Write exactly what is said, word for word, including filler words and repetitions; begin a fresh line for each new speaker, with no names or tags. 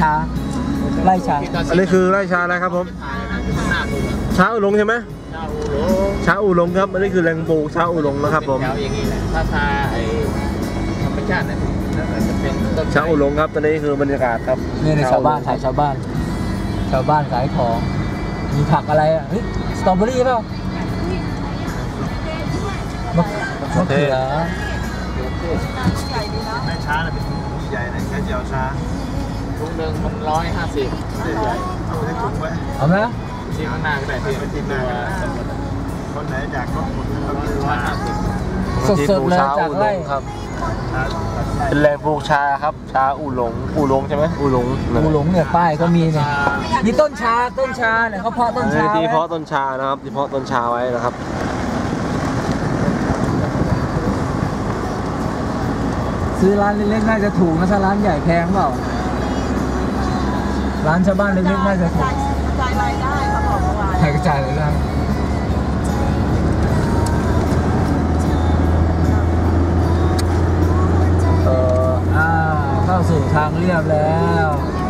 าไร่ชา
อันนี้คือไร่ชาอะไรครับผมชาอูหลงใช่ไหมชาอูหลงครับอันนี้คือแหล่งปลูกชาอูหลงนะครับผม
ถ้าชาไอธรรมชาติเนี่ยจะเป็น
ชาอูหลงครับตอนนี้คือบรรยากาศครับ
นี่ในชาวบ้านขายชาวบ้านชาวบ้านขายของมีผักอะไรอ่ะเฮ้ยสตรอเบอรี่เปล่ามะมะเขือ
แม่ช้าเป็นถุงใหญ่เลยแค่เจียวช้าถุงหนึ่งมันร้อยห้าสิบเอาไปถุงไว้
เอาไหม
ที่ข้างหน้าก็ได้ที่ที่หน้าคนไหนอยากก็หมดร้อยห้าสิบ
สดๆเลยจากไร่
ครับเป็นแหล่งปลูกชาครับชาอูหลงอูหลงใช่ไหมอูหลง
อูหลงเนี่ยป้ายก็มีเนี่ยมีต้นชาต้นชาเนี่ยเขาเพาะต้นชา
ที่เพาะต้นชานะครับที่เพาะต้นชาไว้นะครับ
ซื้อร้านเล็กๆน่าจะถูกนะถ้าร้านใหญ่แพงเปล่าร้านชาวบ้านเล็กๆน่าจะถูก
กระจายรายได้เขาบอกเมื่อวาน
ใครกระจายรายได้เอออ่าเข้าสู่ทางเรียบแล้ว